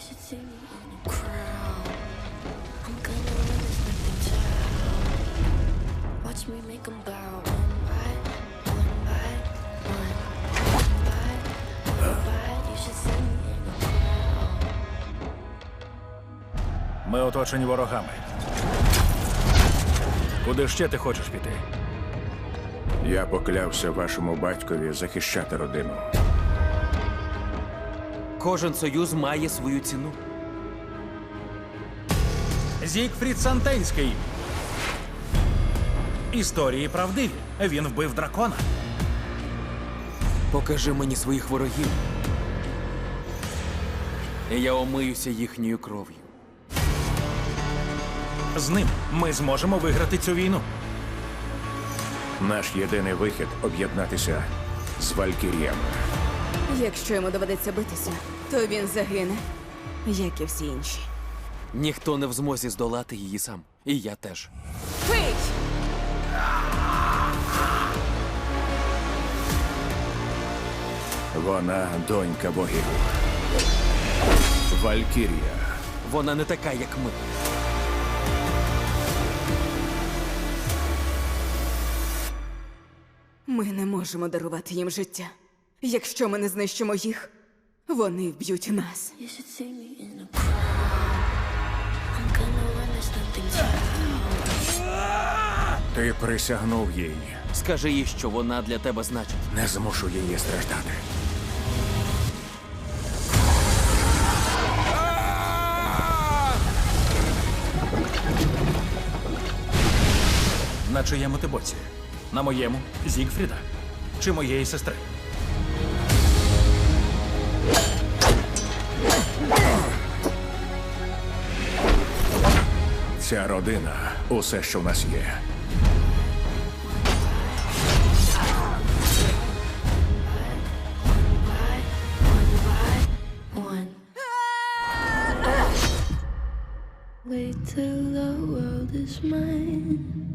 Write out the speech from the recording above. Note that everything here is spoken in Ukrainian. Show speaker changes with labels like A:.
A: should see me in a crowd. I'm gonna win this nothing child. Watch me make 'em bow. One by one. You should see me in a crowd.
B: Ми оточені ворогами. Куди ще ти хочеш піти?
C: Я поклявся вашому батькові захищати родину.
D: Кожен союз має свою ціну.
B: Зігфрід Сантенський. Історії правдиві. Він вбив дракона.
D: Покажи мені своїх ворогів. І я омиюся їхньою кров'ю.
B: З ним ми зможемо виграти цю війну.
C: Наш єдиний вихід – об'єднатися з Валькіріями.
E: Якщо йому доведеться битися, то він загине, як і всі інші.
D: Ніхто не в змозі здолати її сам. І я теж.
E: Пий!
C: Вона донька богів. Валькірія.
D: Вона не така, як ми.
E: Ми не можемо дарувати їм життя. Якщо ми не знищимо їх, вони вб'ють нас.
A: You should see me in a crowd. I'm gonna win this nothing child.
C: Ти присягнув їй.
D: Скажи їй, що вона для тебе значить.
C: Не змушу її страждати.
B: На чиєму ти боці? На моєму Зігфріда? Чи моєї сестри?
C: Ця родина – усе, що в нас є.
A: One. Wait till the world is mine.